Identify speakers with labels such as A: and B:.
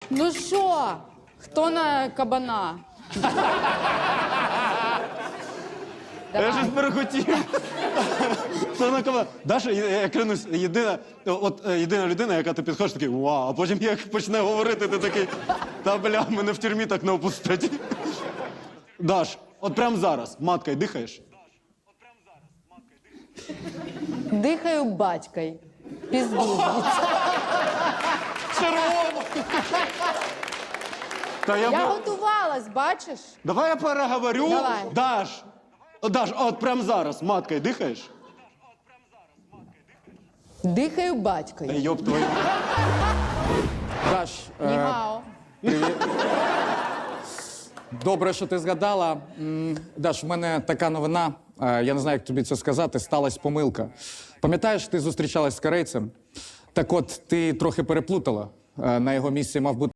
A: Ну що, хто на кабана?
B: Я щось перехотів. Хто на кого? Даша, я клянусь, єдина людина, яка ти підходиш, такий вау, а потім як почне говорити, ти такий, та бля, мене в тюрмі так не опустять. Даш, от прямо зараз, маткою дихаєш?
A: Дихаю батькой. Пізду.
B: Червоно! Та
A: Я готувалась, бачиш?
B: Давай я переговорю.
A: Давай.
B: Даш, от прямо зараз, маткою дихаєш?
A: Дихаю
B: Та
A: батькою.
B: йоп твою.
C: Даш,
A: Нігао.
C: добре, що ти згадала. Даш, в мене така новина. Я не знаю, як тобі це сказати. Сталась помилка. Пам'ятаєш, ти зустрічалась з корейцем? Так от, ти трохи переплутала. На його місці мав бути